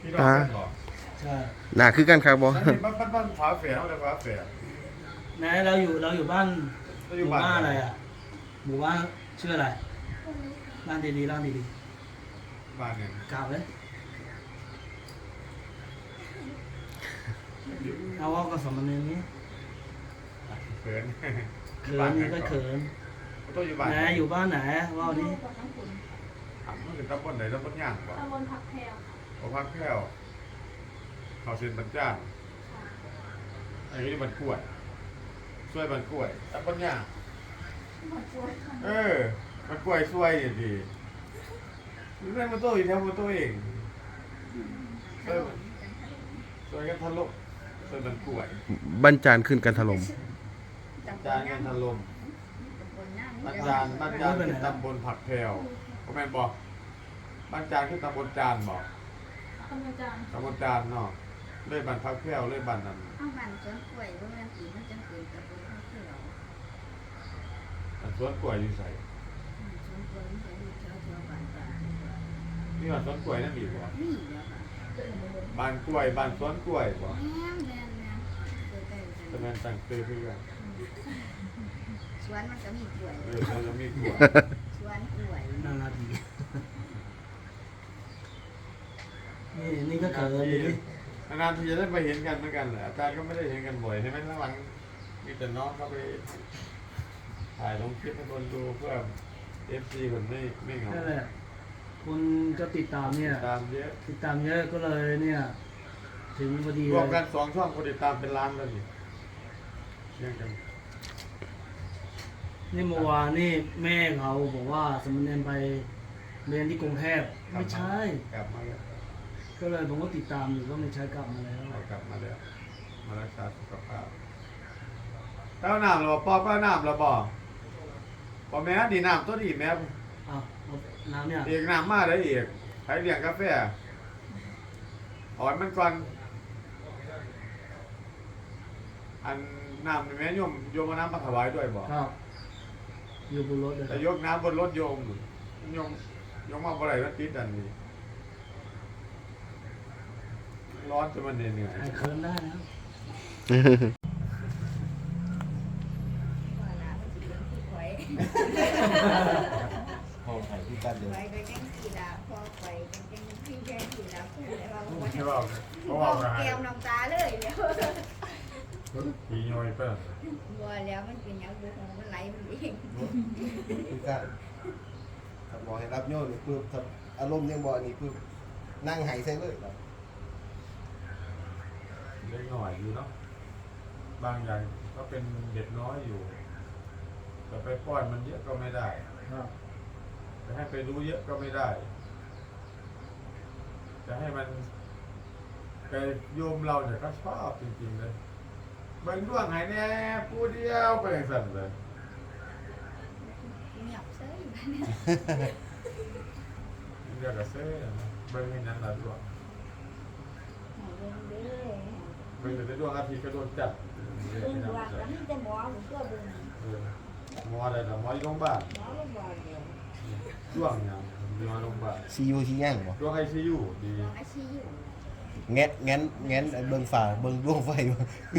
พี่น้องกันบอกใช่หนาคือกันครับบอนั่นนี่บ้านฝาแฝดเขาเรียกฝาแฝดไหนเราอยู่บ้านเราอหยู่มู่บ้านบ้านอะไรอ่ะหมู่บ้านชื่ออะไรร่างดีๆร่างดีบ้านเนี่ยๆกราบเลยเอาว่ากับสมณเณรนี้เขินเขินนี่ก็เขินต้องอยู่บ้านไหนอยู่บ้านไหนว่าดิมันเป็นตำบลไหนตำบลย่างป่ะตำบลผักแพรวพอพักแพ้วเขาเซ็นบรรจ้านอันนี้บรรกล้วยช่วยบรรกล้วยตำบลย่างหมดตัวเออมันกล้วยช่วยดีนี่แม่มาโต้อีกแถวมาโต้เองช่วยกันทะลุช่วยบรรกล้วยบันจานขึ้นกันถล่มจานกันทะลุบ้านจานคือตำบลผักแพรวก็แม่นบอกบ้านจานคือตำบลจานบอกตำบลจานตำบลจานเนาะเลยบ้านผักแพรวเลยบ้านนั้นเอาบ้านสวนกล้วยบ่แม่นสิมันจังเกิดกับบ่ทันคือเราอันสวนกล้วยอยู่ใส่สวนกล้วยมันจะอยู่แถวๆบ้านจ้านี่บ้านสวนกล้วยนั่นดีบ่นี่แหล้วค่ะบ้านกล้วยบ้านสวนกล้วยบ่แม่นใกล้ๆจะกันแม่นตั้งชื่อเพื่อนสวนมันก็มีกล้วยเราจะมีกล้วยสวนกล้วยน่ารักดีนี่ก็เขินอยู่ดินานๆทีจะได้ไปเห็นกันเหมือนกันแหละอาจารย์ก็ไม่ได้เห็นกันบ่อยใช่ไหมหลังๆมีแต่น้องเข้าไปถ่ายลงคลิปให้คนดูเพื่อ FC คนไม่เหงานั่นแหละคนก็ติดตามเนี่ยตามเยอะติดตามเยอะก็เลยเนี่ย ถึงพอดีรเลวมกันย 2 ช่องคนติดตามเป็นล้านแล้วนี่เชื่อกันนี่เมื่อวานนี่แม่เขาบอกว่าสมณเณรไปเรียนที่กรุงเทพไม่ใช่กลับมาแล้วก็เลยผมก็ติดตามอยู่ก็ไม่ใช่กลับมาแล้วกลับมาแล้วมารักษาสุขภาพเต้าน้ำหรอปอเต้าน้ำหรอปอแม่ดีน้ำตัวดีแม่อ้าวเอาน้ำเนี่ยเอกน้ำมาได้เอกใครเลี้ยงกาแฟถอนมันก่อนอันน้ำนี่แม่โยมเอาน้ำมาถวายด้วยบ่ครับอยู่บนรถเลยแต่ยกน้ำบนรถโยมมาบ่ได้มันติดอันนี้ร้อนจนมันเหนื่อยหายเคินได้นะว่าล่ะมันสิเป็นผู้ข่อยห้องไข่ที่กันเลยข่อยก็จังสิล่ะพอข่อยจังพี่แค่สิล่ะพูดได้ว่าบ่ไม่ได้ว่าเพราะบว่าอกก็ให้แก้วน้ำตาเลยเดี๋ยวผีย่อยไปบัวแล้วมันเป็นหยังบุของมันไหลมันเองคือการถ้าบอกให้รับโยนนี่ปุ๊บถ้าอารมณ์ยังบอกนี่ปุ๊บนั่งไหายใส่เลยครับเล็กหน่อยอยู่เนาะบางอย่างก็เป็นเด็กน้อยอยู่แต่ไปป้อนมันเยอะก็ไม่ได้ครับจะให้ไปรู้เยอะก็ไม่ได้ จะให้มันแต่โยมเราเนี่ยก็ชอบจริงๆเลยเบิ่งด้วงหายแน่ผู้เดียวไปอย่างสั่นเลยเงียบเซ้ยเรียกกับเซ่นะเบิ่งให้นั้นละด้วงเบิ่งเด้อเบิ่งแต่ด้วงอาทิตย์ก็โดนจับเรียกเบิ่งให้ว่าน้ำก็จับมีแต่หมอหรือตัวเบิ่งหมออะไรนะหมออยู่โรงพยาบาลหมอโรงพยาบาลเดียวด้วงเนี่ยหมอโรงพยาบาลซียูซีย่างบ่ด้วงไอซียูดีหมออาชีพแงะแงนแงนเบิ่งฝ่าเบิ่งดวงไฟบ่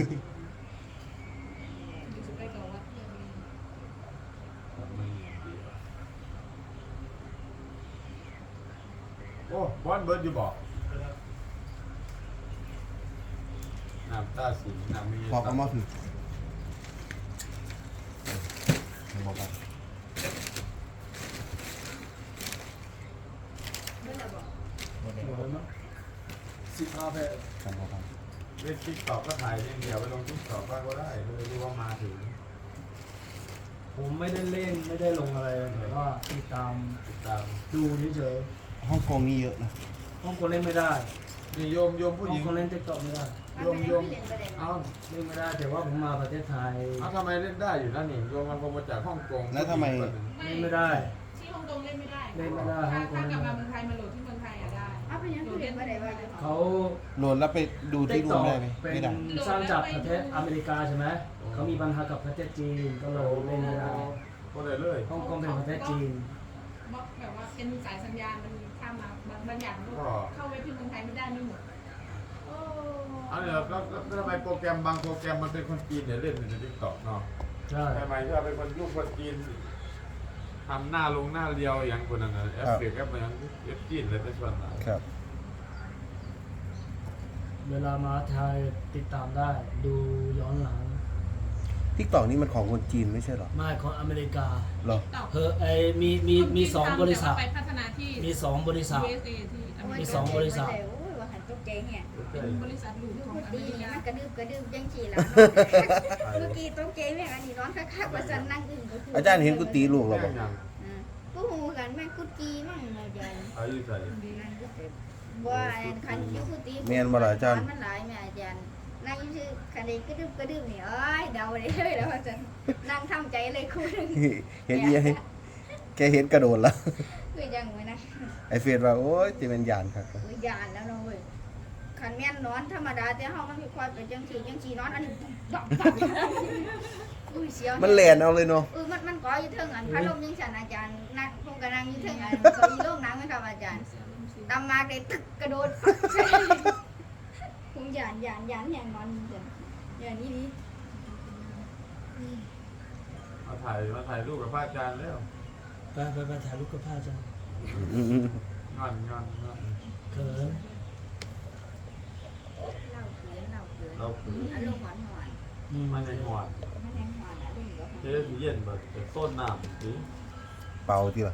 โอ้บอลเบิร์ดอยู่บอกน้ำตาสีน้ำมีบอกเอามาผิดบอกกัน 15แพกันบอกกันเล่นติ๊กตอกก็ถ่ายอย่างเดียวไปลงติ๊กตอกบ้างก็ได้เลยรู้ว่ามาถึงผมไม่ได้เล่นไม่ได้ลงอะไรแต่ว่าติดตามติดตามดูเฉยฮ่องกงนี่เยอะนะๆห้องคนเล่นไม่ได้นี่โยมผู้หห้อญิงงคนเล่นติ๊กต็อกไม่ได้โยมเอาเอาเล่นไม่ได้แต่ว่าผมมาประเทศไทยเอาทำไมเล่นได้อยู่นั่นนี่โยมมันคงมาจากฮ่องกงแล้วทำไมเล่นไม่ได้ที่ฮ่องกงเล่นไม่ได้เล่นไม่ได้ถ้าฮ่องกงถ้ากเล่ลับนมาไม่เมืได้องไทยมาโหลดที่เมืองไทยอะได้เอาไปยังคือเรียนบ่ได้ว่าอยู่เขาโหลดแล้วไปดูที่รูมได้ไหมเป็ไม่นได้สร้างจากประเทศอเมริกาใช่ไหมเขามีปัญหากับประเทศจีนก็เลยเล่นไม่ได้ก็เลยเลยฮ่องกงเป็นประเทศจีนแบบว่าเป็นสายสัญญาณมันข้ามมาบางอย่างมันก็เข้าเว็บที่เมืองไทยไม่ได้ไม่หมดเนี่ยแล้วทำไมโปรแกรมบางโปรแกรมมันเป็นคนจีนเนี่ยเล่นในทิกตอกเนาะใช่ทำไมถ้าเป็นคนยุคคนจีนทำหน้าลงหน้าเรียวอย่างคนนั้นนะแอปเปิลแอปอย่างเอฟจีนเลยเป็นส่วนใหญ่ครับเวลามาไทยติดตามได้ดูย้อนหลัง TikTok นี่มันของคนจีนไม่ใช่เหรอไม่ของอเมริกาเหรอเฮอมีสองบริษัทไปพัฒนาที่มีสองบริษัท USA ที่อเมมีริสกาองบริษัทโอ้ยว่าหันตกใจเนี่ยเป็นบริษัทหลูกลูกของอตีเมรินี่กามันกระดึบยังฉี่แล้วเมื่อกี้ตกใจแม่งอันนี้ร้อนคักๆว่าฉันนั่งอึ้งก็คืออาจารย์เห็นกูตีลูกเราแม่บ่งอย่างกูหูกันแม่งกุจีมั่งอาจารย์อายุใส่นั่นก็เจ็บว่าคันยุกุตีแม่นบ่ล่ะอาจารย์มันหลายแม่อาจารย์นั่งอยู่ชื่อคันนี้กระดึบนี่เอ้ยเดาได้เลยแล้วอาจารย์นั่งทำใจเลยคุณเห็นยังแกเห็นกระโดดแล้วคือยังไงนะไอเฟซว่าโอ๊ยจะเป็นยานครับคือยานแล้วเนาะเว้ยคันแม่นนอนธรรมดาแต่เฮามันมีความเป็นจังสีนอนอันนี้ดอกอุ้ยเสียวมันแลนเอาเลยเนาะมันก่ออยู่เทิงอันพัดลมยังฉันอาจารย์นั่งพวกกำลังอยู่เทิงอันก็อีโลกน้ำไหมครับอาจารย์ตำมาได้ตึกกระโดดผมยานอย่างนอนอย่างนี้ดีมาถ่ายรูปกับพระอาจารย์แล้วไปถ่ายรูปกับพระอาจารย์งอนเขินเล่าเกินเราคืออารมณ์หวานมันในหอดมันแรงหวานอารมณ์ก็เจ๊สีเย็นแบบเป็นต้นน้ำสีเป่าที่ละ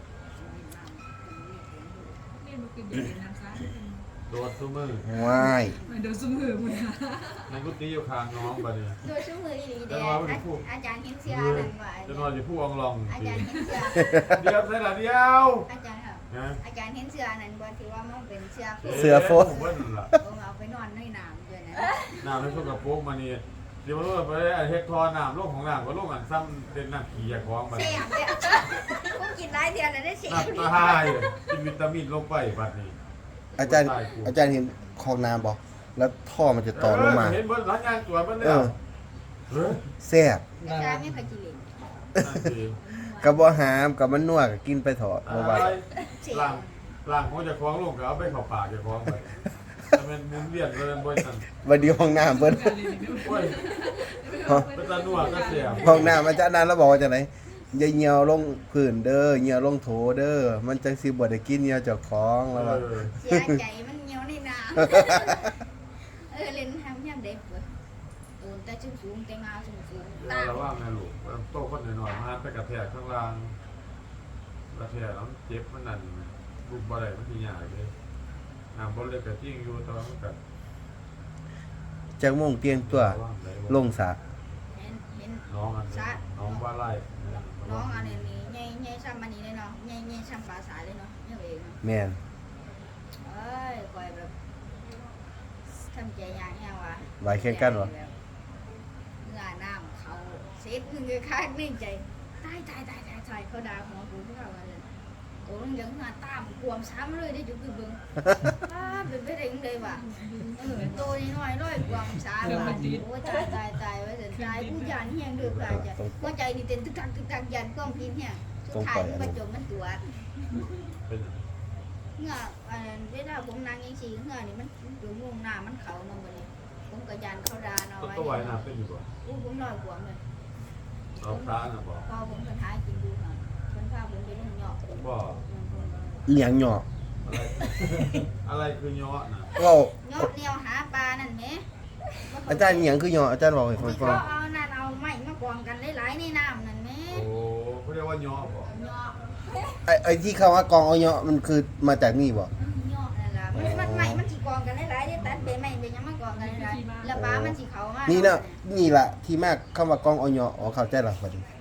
นี่มันคือเด็กน้ำซ่าโดดซุ้มือว้ายมาดูซุ้มหือมุนหาในกุฏิอยู่ข้างน้องบัดนี้โดยชั่วมือดีเดียอาจารย์เห็นเสื้อนั่นว่าจะนอนอยู่ผู้องลองอาสีจารย์เห็นเสื้อเดียวใช่หรอเดียวอาจารย์ครับนะอาจารย์เห็นเสื้อนั่นบ่ที่ว่ามันเป็นเสื้อเสือโฟผมว่านั่นล่ะผมเอาไปนอนในน้ำด้วยนะน้ำในช่วงกับโป๊กมานี่เดี๋ยวมันรู้ไปได้เฮ็ดทอน้ำโลกของน้ำก็โลกอันซ้ำเป็นน้ำขี้ยาของบัดเสีนี้ยบเนี่ยผมกินหลายเดือนแล้วได้เสียบน้ำตาหายกินวิตามินลงไปบัดนี้อาจารย์เห็นคลองน้ำบ่แล้วท่อมันจะต่อลงมาเห็นบนหลังยางตัวมันเอเนี่ยอเฮ้ยแซ่บอาจารย์ไม่เคยกินเลยนั่นสิกับบ่หามกับมันนัวก็กินไปเถอะบ่ว่าล่างของจะคล้องลงก็เอาไปเข้าปากจะคล้องไปแต่มันมุนเวียนเลยบ่นั่นวันเดียวห้องน้ำเพิ่นโอ้ยเป็นตาหนวดก็เสียห้องน้ำอาจารย์นั้นแล้วบอกว่าจังได๋อย่าเหี่ยวลงพื้นเด้อเหี่ยวลงโถเด้อมันจังสิบ่ได้กินเหี่ยวเจ้าของแล้วว่าเสียใจมันเหนียวในน้ำเล่นทำยังเด็กเว้ยโอนแต่สูงแต่งาสูงตาระว่างนะลูกโตคนหน่อยๆมาไปกระแทกข้างล่างกระแทกแล้วเจ็บมันนั่นบุกบ่ได้มันสิยากเลยน้ำบ่เลยก็ทิ้งอยู่ตอนมันก็จักโมงเตียงตัวลงสระเห็นน้องอันน้องว่าไล่น้องอันนี้ใหญ่ซ้ำอันนี้เลยเนาะใหญ่ซ้ำปลาสายเลยเนาะเนี่ยเองเนาะแม่นเอ้ยคอยแบบทำใจยากแฮงว่ะไหวแข่งกันบ่เมื่อน้ำเขาเซ็ตนึงเลยค่ะนิ่งใจตายเขาด่าหัวกูทุกครั้งเลยโอ้ยยังหาตามกวมซ้ำเลยได้จุกเบิ่งเป็นไปได้ยังไงวะตัวน้อยกวมซ้ำว่ะโอ้ยตายไว้เสร็จตายผู้ยานเฮียงเดือดค่ะจ้ะหัวใจนี่เต้นตึกตักยันก้องพินเฮียสุดท้ายมันจมมันตัวเป็นเงื่อเวลาผมนั่งยังสีเงื่อนี่มันอยู่มุงหน้ามันเขานำไปเลยผมก็ยันเขาด่าน้อยตัวไหวน้ำเป็นอยู่บ่ผมน้อยกว่าเลยเราพระน่ะบ่พอผมคนท้ายกินดูหน่อยคนพาผมไปนุ่งหยอกบ่อีหยังหยออะไรคือย้อน่ะเว้าหยอกเดียวหาปลานั่นไหมอาจารย์อีหยังคือหยออาจารย์บอกให้ฟังที่ก่อเขานเอานั่นเอาไม้มากองกันหลายๆในน้ำนั่นไหมโอ้เขาเรียกว่าย้อบ่หยอกไอ้ที่คำว่ากองเอาหยอมันคือมาจากนี่บ่หยอกนั่นล่ะมันไม้มันสีกองกันหลายๆได้ตัดใบไม้ใบยังมากองกันหลายๆแล้วปลามันสีเขามากนี่นะนี่ล่ะที่มากคำว่ากองเอาหยออ๋อเข้าใจแล้วบัดนี้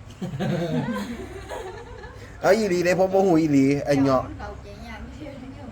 เอาอีหลีเด้ผมบ่ฮู้อีหลีไอ้หยอมันเขาใจยากที่สุดเนี่ย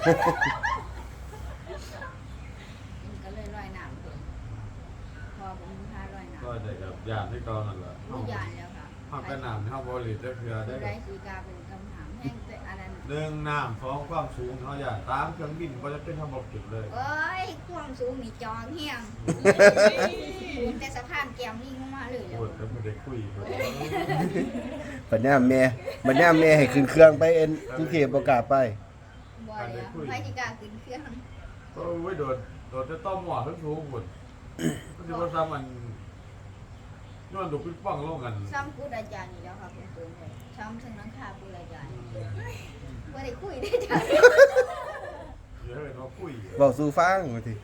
ก็เลยลอยน้ำตัวพอผมพาลอยน้ำก็ได้กับญาติที่เก่านั่นแหละผู้ยานแล้วค่ะเฮาก็น้ำเฮาบ่หลีจะเคือได้ไรสีกาเป็นคำถามแห้งแต่อันนั้นหนึ่งน้ำสองความสูงเฮาอย่าตามเครื่องบินบ่จะเป็นทำบ่จุดเลยเอ้ยความสูงนี่จองเฮียงสูงแต่สะพานแก้มลิงลงมาเลยแล้วโอ้ยก็ไม่ได้คุยกันบัดนี้แม่ให้ขึ้นเครื่องไปเอ็นกรุงเทพบ่กล้าไปบ่เลยไปที่กาขึ้นเครื่องโอ้ยโดดจะต้องหมอทั้งสูงหมดมันจะมาซ้ำมันย้อนดูปิ๊กป้องโลกกันซ้ำพูดอาจารย์นี่แล้วค่ะเป็นตัวเลยซ้ำถึงนังคาพูดอาจารย์ไม่ได้คุยได้จ้ะเดี๋ยวเราคุยเว้าสู่ฟังว่าติ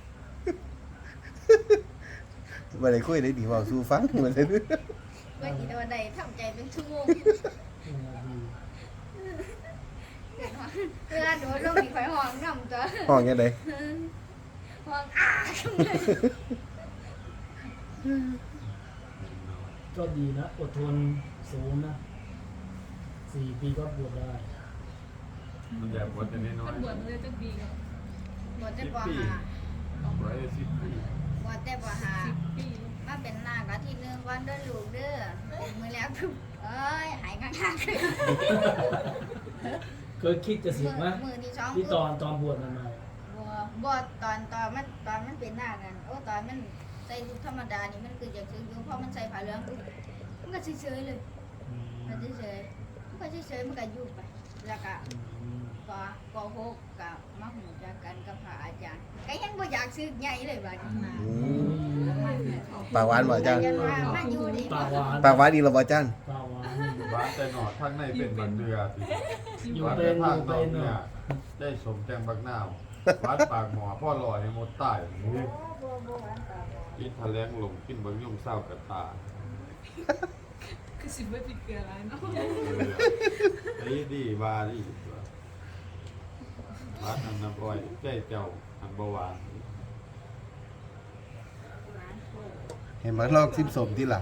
บ่ได้คุยได้ดีเว้าสู่ฟังว่าซั่นวันนี้วันใดทำใจเป็นชั่วโมงเวลาโดนลงมีไฟห้องน้ำตัวห้องยังไงห้องอ้าก็ดีนะอดทนสูงนะ4 ปีก็บวชได้มันแบบบวชแต่น้อยตำรวจมันเลยจะดีกับหมดแต่ปหาๆร้อย10 ปีหมดแต่ปหา 10 ปีมาเป็นนากอาทิตย์นึงวันเดินลูกเด้อมือแล้วทุบเอ้ยหายข้างๆคือเคยคิดจะเสียไหมมือที่สองที่ตอนบวชใหม่บ่ตอนมันเป็นหน้ากันโอ้ตอนมันใส่ชุดธรรมดานี่มันคืออยากซื้ออยู่เพราะมันใส่ผ้าเหลืองปุ๊บมันก็เฉยๆเลยๆมันเฉยๆมันก็เฉยๆมันก็อยู่ไปแล้วก็ปหกกับมาหูจักกันกับพระอาจารย์ก็ยังบ่อยากซื้อใหญ่เลยบัดนี้มาปากหวานบ่อาจารย์ยังว่ามาอยู่ดีปากหวานปากหวานดีแล้วบ่อาจารย์ปากหวานบ้านแต่หนอดทั้งในเป็นบันเดือสิอยู่บ้านเป็แต่นภาคอยู่นอเป็กนเนี่ยได้สมแจงบักนาววัดปากหมอพ่อหล่อในหมดใต้บ่หวานตาบ่กินทะเลงลงกินบางยุ่งเศร้ากับตาคือสิบ่ผิดเกลืออะไรเนาะไอ้ดีบาดีวัดอันน้ำอ้อยใจเจ้าอันบวานหวานโคตรเห็นบ่ลอกซิมสมที่ล่ะ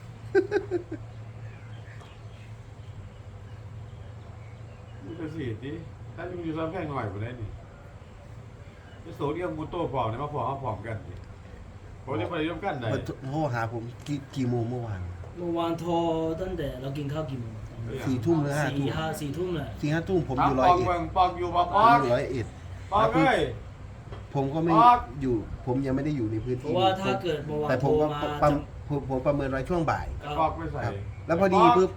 นี่ก็สิดิถ้าอยู่ซ้ำแพงหน่อยกว่าได้นี่จะโสเดียมมูโต้ผอมเนี่ยมาผอมกันนี่ผมจะไปร่วมกันได้มาโทรหาผมกี่โมงเมื่อวานเมื่อวานโทรตั้งแต่เรากินข้าวกี่โมง 4 ทุ่มหรือ 5 ทุ่ม 4 ทุ่มแหละ 4-5 ทุ่มผมอยู่ปร้อยองเอ็ดเมืองปองอยู่ปองผมอยู่ร้อยเอ็ดปองเอ้ยผมก็ไม่ปอกอยู่ ผมยังไม่ได้อยู่ในพื้นเพที่ราะว่าถ้าเกิดเมื่อวานแต่ผโทรมก็มาผมประเมินไว้ช่วงบ่ายปอกไม่ใส่ครับ แล้วพอดีปุ๊บ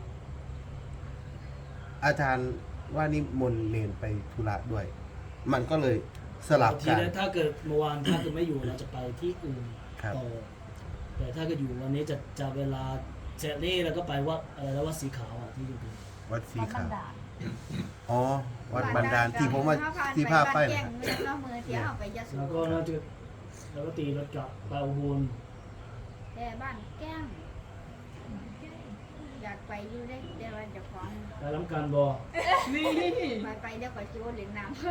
อาจารย์ว่านิมนต์เนนไปธุระด้วย มันก็เลยสลับทีกันนี้ถ้าเกิดเมื่อวานถ้าเกิดไม่อยู่เราจะไปที่อื่นครับต่อแต่ถ้าเกิดอยู่วันนี้จะเวลาเสร็จนี่แล้วก็ไปวัดอะไรแล้ววัดสีขาวอ่ะที่อยู่ดีวัดสีธรขาร วมดาอ๋อ วัดบันดาลที่ผมว่าที่ภาพไปแจ้นะงเมืองเนาะมือเที่ยวไปยะโสแล้วก็น่าจะแล้วก็ตีรถกลับไปอุบลแต่บ้านแก้งอยากไปอยู่ได้แต่ว่าเจะของไปล้ำการบอนี่ไปเดี๋ยวก็จูเล่นน้ำ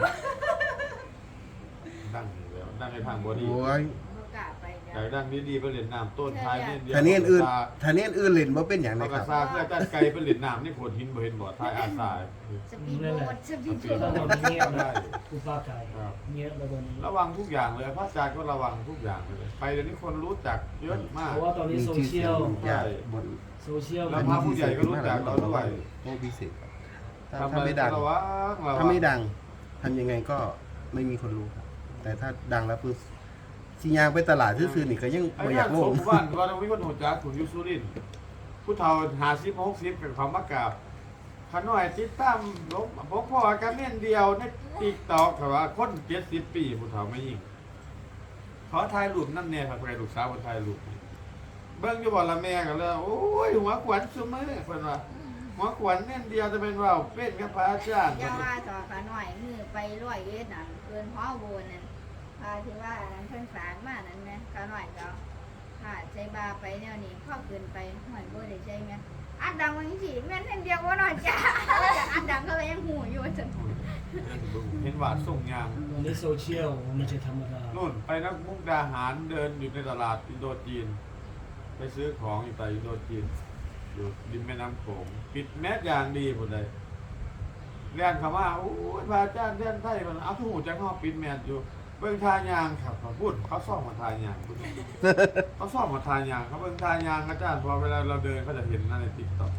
ดังอยู่แล้วดังในทางบอดีโอ้ยบ่กล้าไปเดี๋ยอยากดังดีๆไปเรียนน้ำต้นท้ายเนี่ยเดียวท่านี้อื่นท่านี้อื่นเล่นบ่เป็นอย่างไรเขาคกระรับซาเพื่อจัดไกลไปเรียนน้ำนี่โขดหินบ่เห็นบ่ท้ายอาสาสปีดโบ๊ทสปีดที่โบ๊ต้องทเงียบนะกูฟ้าไก่เงียบแล้วตอนนี้ระวังทุกอย่างเลยพระอาจารย์ก็ระวังทุกอย่างเลยไปเดี๋ยวนี้คนรู้จักเยอะมากเพราะว่าตอนนี้โซเชียลใช่บนโซเชียลแล้วพระผู้ใหญ่ก็รู้จักเราด้วยโอ้พิเศษครับถ้าทำถ้าอะไรไม่ดังระวังระวัถ้าง ไม่ดังทำยังไงก็ไม่มีคนรู้ครับ แต่ถ้าดังแล้วปุ๊บสิยางไปตลาดซื่อๆนี่ก็ยังไอ้บ่อนั่ยาน กโลสงมบ้านว่าเราไม่คนหัวจักขุนยุสุรินทร์ผู้เฒ่า50-60เป็นความมากราบขน้อยติดตามลงพกพ่อกันเม่นเดียวในติ๊กต็อกครับว่าคน70 ปีผู้เฒ่าไม่ยิ่งขอถ่ายรูปนั่นแน่ครับไปลูกสาวมาถ่ายรูปเบิ่งอยู่บ่ละแม่กันแล้วโอ้ยหัวขวัญซุมื้อเพิ่นว่าหัวขวัญเม่นเดียวจะเป็นว่าวเป็นกับพระอาจารย์อย่าว่าต่อขาหน่อยมือไปร้อยเอ็ดน่ะเกินพ่อโบนนั่นที่ว่านั้นเพิ่นฝากมานั่นแหมขาหน่อยก็ถ้าใช้บาไปแนวนี้พ่อเกินไปหน่อยบ่ได้ใช้แม่อัดดังว่าจังซี่แม่นเพิ่นเดียวบ่น้อยจ้าอัดดังก็เลยยังหูอยู่จังเห็นว่าส่งยางตอนนี้โซเชียลมันจะธรรมดานู่นไปนักมุกดาหารเดินอยู่ในตลาดอินโดจีน ไปซื้อของอยู่tạiอินโดจีนอยู่ริมแม่น้ำโขงปิดแมสอย่างดีหมดเลยเรียนคำว่าโอ้ยพระอาจารย์เรียนไทยมันเอาหูจังห้อปิดแมสอยู่เบิ่งทายางครับเขาพูดเขาซ่อมมาทายางพูดเขาซ่อมมาทายางเขาเบิ่งทายางอาจารย์พอเวลาเราเดินเขาจะเห็นนั่นในติ๊กต็อก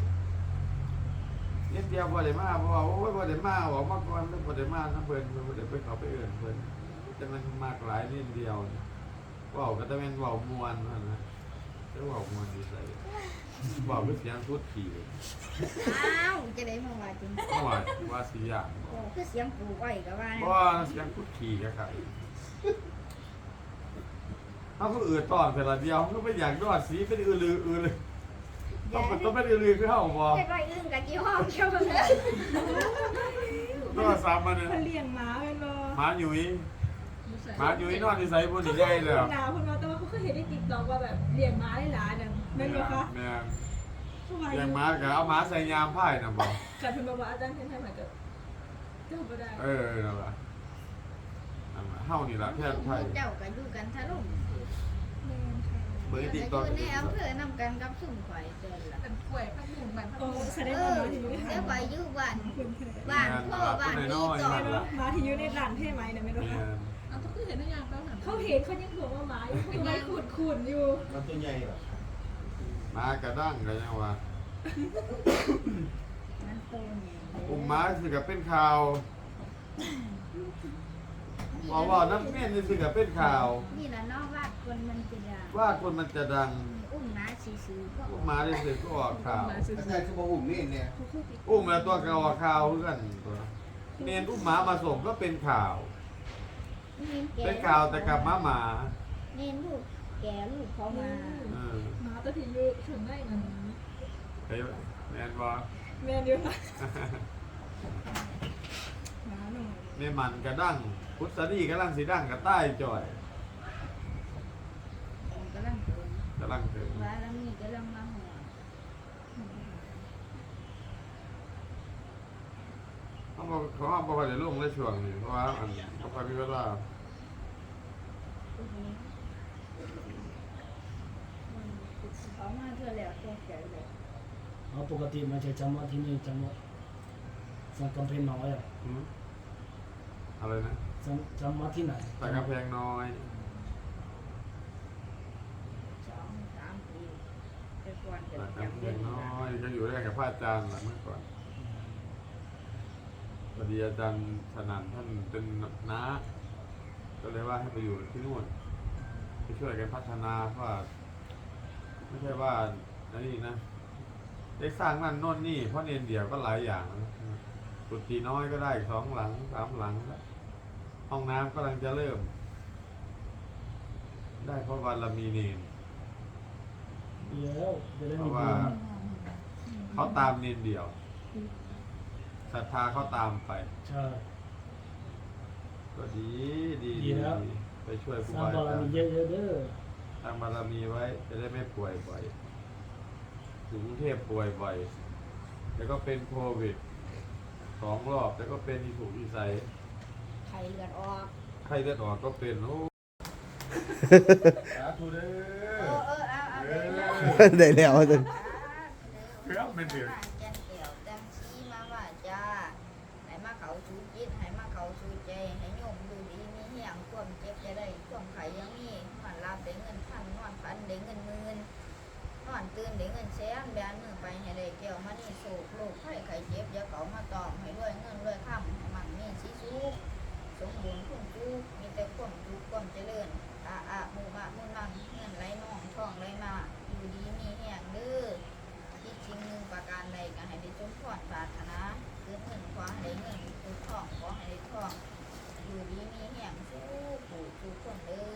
เดียวบ่ได้มาเพราะว่าโอ้ยบ่ได้มาบอกมาก่อนบ่ได้มานะเพิ่นบ่ได้ไปเขาไปเอื่นเพิ่นแต่มันมากหลายนิดเดียวนี่เว้าก็จะเป็นเว้ามวนนั่นนะจะเว้ามวนดีใส่เว้าคือเสียงพูดขี่อ้าวจะได้มาว่าจริงเพราะว่าว่าสิอย่างโอ้คือเสียงปูอ้อยก็ว่าเพราะว่าเสียงพูดขี่ก็ครับเขาก็อืดตอนแต่ละเดียวเขาก็ไม่อยากนวดสีเป็นอือเลยต้องเป็นอือคือเขาบอกเด็กน้อยอึ้งกับยี่ห้อเชียวเลยนวดซ้ำมาเนี่ยเขาเลี้ยงม้าเป็นบ่หมาหยุยหมาหยุยนอนที่ใส่บนนี่ได้เลยหนาวคนเราแต่ว่าเขาเคยเห็นในติ๊กต็อกว่าแบบเลี้ยงม้าได้หลายนั่นแม่นบ่คะแม่นทำไมอย่างหมาก็เอาหมาใส่ยามไพ่นะบอกกัดเพิ่นบอกว่าอาจารย์เพิ่นให้มาก็เจ้าบ่ได้นั่นแหละเฮานี่แหละแพทย์ไพ่เจ้าก็อยู่กันทะลุแม่นค่ะเบอร์อยู่ติ๊กต็อกในอำเภอนำกันกับสุ่มข่อยเจอละเป็นกล้วยพักหนึ่งแบบโอ้แสดงเอว่าอม้าที่อยู่ในเดี๋หายวข่อยอยู่บ้านเพิ่นแท้บ้านพ่อบ้านนี่ก่อนม้าที่อยู่ในร้านเท่ไหมนะแม่นบ่แม่คะนเอาก็คือเห็นได้ยังแป๊บหนึ่งเขาเห็นเขายังบอกว่าหมาอยู่ข้างในขุดๆอยู่มันตัวใหญ่เหรอหมากระดั้งกันยังวะมันโตเนี่ยอุ้มหมาสิกับเป็นข่าวบอกว่าน้ำเมี่ยนนี่สิกับเป็นข่าวนี่ละนอกวาดคนมันจะดังว่าคนมันจะดังอุ้มน้าซื้อๆก็อุ้มหมาได้สิก็ออกข่าวอาจารย์คือบ่อุ้มนี่เนี่ยอุ้มแล้วตัวก็ออกข่าวเพื่อนตัวเนนอุ้มหมามาส่งก็เป็นข่าว เป็นข่าวแต่กับหมาเน้นลูกแกลูกเขามาเออหมาตัวที่อยู่ข้างในนั่นเฮ้ยแมนบอแม่นอยู่ค่ะหมาหน่อยเนมันกระดั้งพุทธดีกระลังสีดั้งกระใต้จ่อยกำลังเกิดกระลังถึงว่าแล้วมีกำลังมาหัวเขาบอกว่าจะลงในช่วงนี้เพราะว่าอันเขาพามีเวลาเขามาเพื่อแล้วแก้ไขเลยเอาปกติมันจะจำว่าที่นี่จำว่าสังกำแพงน้อยอ่ะหืมอะไรนะจำว่าที่ไหนแต่กระแพงน้อย 2-3 ปีแต่ก่อนจะแต่กระจำแพเป็งนน้อยก็อยู่ด้วยกับพระอาจารย์แหละเมื่อก่อนพอดีอาจารย์สนั่นท่านเป็นน้าก็เลยว่าให้ไปอยู่ที่นู่นไปช่วยกันพัฒนาเพราะว่าไม่ใช่ว่าอันนี้นะได้สร้างนั่นโน่นนี่เพราะเนียนเดียวก็หลายอย่างนะกุฏิน้อยก็ได้2 หลัง 3 หลังแล้วห้องน้ำกำลังจะเริ่ม ได้เพราะวันละมีเนนเดี๋ยวจะได้เพมีราะบุว่าญเขาตามเนนเดียวศรัทธาเขาตามไปใช่ก็ดีดีแล้วไปช่วยครูสร้างบาบารอาจารมีย์เยอะๆเด้อสร้างบารมีไว้จะได้ไม่ป่วยบ่อยถึงกรุงเทพป่วยบ่อยแล้วก็เป็นโควิด2 รอบแล้วก็เป็นอีสุกอีใสไข่เลือดออกไข้เลือดออกก็เป็นโอ้สาธุเด้เอาได้แล้วอาจารย์เพื่อไม่ถึงแกนเกี่ยวจังชี้มาว่าจ้าให้มาเขาชูจิตให้มาเขาชูใจให้โยมดูดีมีเหี้ยงความเจ็บจะได้ความไข่ยังมีมันรับได้เงินพันนอนพันได้เงินหมื่นนอนตื่นได้เงินแสนแบนมือไปให้ได้เกี่ยวมานี่โศกโรคไข้ไข้เจ็บอย่าเขามาตอมให้ด้วยเงินด้วยค่ำให้มันมีสีสุขสมบูรณ์คุณจุกมีแต่ความจุกความเจริญหมู่มามุ่นมั่งเงินไหลน่องท่องไหลมาอยู่ดีมีแห่งเด้อคิดสิ่งหนึ่งประการใดก็ให้ได้สมพรปรารถนาเกิดเงินขอให้ได้เงินเกิดทองขอให้ได้ทองอยู่ดีมีแห่งสู้ผู้สู้คนเด้อ